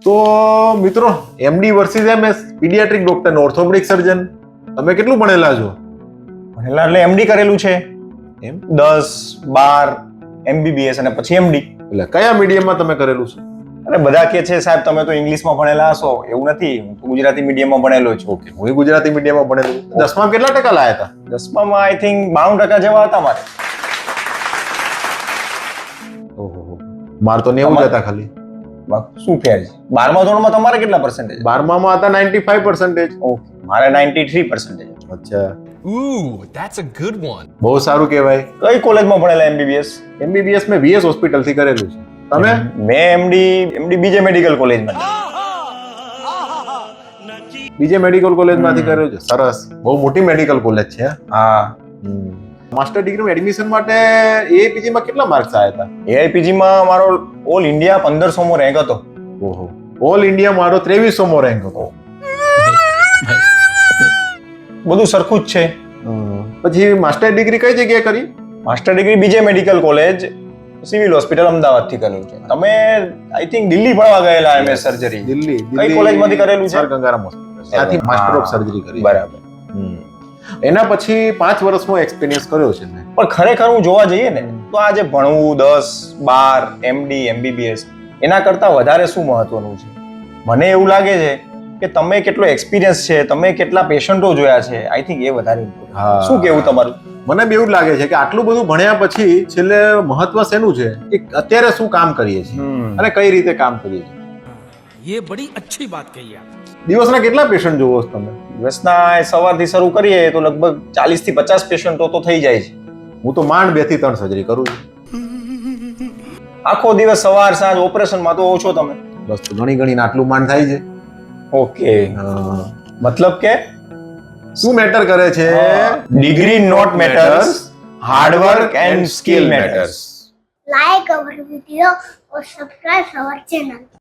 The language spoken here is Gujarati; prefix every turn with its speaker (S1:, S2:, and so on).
S1: તો મિત્રો, MD versus MS, paediatric doctor ને ઓર્થોપેડિક સર્જન, તમે કેટલું ભણેલા છો?
S2: ભણેલા એટલે એમડી કરેલું છે,
S1: એમ
S2: 10-12 MBBS અને પછી એમડી.
S1: એટલે કયા મીડિયમમાં તમે કરેલું છે?
S2: અને બધા કે છે સાહેબ તમે તો ઇંગ્લિશમાં ભણેલા હશો, એવું નથી, હું તો ગુજરાતી મીડિયમમાં ભણેલો છું.
S1: ઓકે, હું ગુજરાતી મીડિયમમાં ભણેલું. 10માં કેટલા ટકા લાયા હતા?
S2: 10માં આઈ થિંક 92% જેવા હતા મારે.
S1: ઓહો, માર તો 90 હતા ખાલી.
S2: શું ફેર છે? 12મા ધોરણમાં તમારે કેટલા પર્સન્ટેજ?
S1: 12માં હતા 95%.
S2: ઓકે, મારે 93%.
S1: અચ્છા,
S3: Ooh, that's a good one.
S1: બહુ સારું કહેવાય.
S2: કઈ કોલેજમાં ભણેલા MBBS?
S1: એમબીબીએસ મેં વીએસ હોસ્પિટલ થી કરેલું છે. તમે?
S2: મેં એમડી બીજે મેડિકલ કોલેજમાં.
S1: બીજે મેડિકલ કોલેજમાંથી કરેલું છે. સરસ, બહુ મોટી મેડિકલ કોલેજ છે.
S2: હા.
S1: માસ્ટર ડિગ્રીમાં એડમિશન માટે એઆઈપીજી માં કેટલા માર્ક્સ આવ્યા હતા?
S2: AIPG માં મારો ઓલ ઇન્ડિયા 1500મો રેન્ક હતો.
S1: ઓહો, ઓલ ઇન્ડિયા મારો 2300મો રેન્ક હતો.
S2: બધું સરખું જ છે.
S1: પછી માસ્ટર ડિગ્રી કઈ જગ્યાએ કરી?
S2: Master degree BJ medical college civil hospital Ahmedabad થી કરેલું છે. તમે આઈ થિંક દિલ્હી ભણવા ગયેલા MS સર્જરી.
S1: દિલ્હી.
S2: કઈ કોલેજમાંથી કરેલું છે?
S1: Sir Gangaram hospital. ત્યાંથી માસ્ટર ઓફ સર્જરી કરી.
S2: બરાબર.
S1: એના પછી 5 વર્ષનો એક્સપિરિયન્સ કર્યો છે મેં.
S2: પણ ખરેખર હું જોવા જઈએ ને તો આ જે ભણવું 10-12 MD MBBS એના કરતા વધારે શું મહત્વનું છે? મને એવું લાગે છે કે તમે કેટલો એક્સપિરિયન્સ છે, તમે કેટલા પેશન્ટો જોયા છે, આઈ થિંક એ વધારે important.
S1: હા.
S2: શું કેવું તમારું?
S1: મને બી એવું જ લાગે છે કે આટલું બધું ભણ્યા પછી છેલ્લે મહત્વ શેનું છે કે અત્યારે શું કામ કરીએ છીએ અને કઈ રીતે કામ કરીએ છીએ.
S3: ये बड़ी अच्छी बात कही आप.
S1: દિવસના કેટલા પેશન્ટ જોવો છો તમે?
S2: દિવસના સવારથી શરૂ કરીએ તો લગભગ 40 થી 50 પેશન્ટો તો થઈ જાય છે.
S1: હું તો માંડ 2 થી 3 સર્જરી કરું છું.
S2: આખો દિવસ સવાર સાંજ ઓપરેશનમાં તો ઓછો તમે.
S1: બસ તો ઘણી ઘણી આટલું માંડ થાય છે.
S2: ઓકે, મતલબ કે
S1: શું મેટર કરે છે?
S2: degree not matters, hard work and skill matters.
S4: Like our video or subscribe our channel.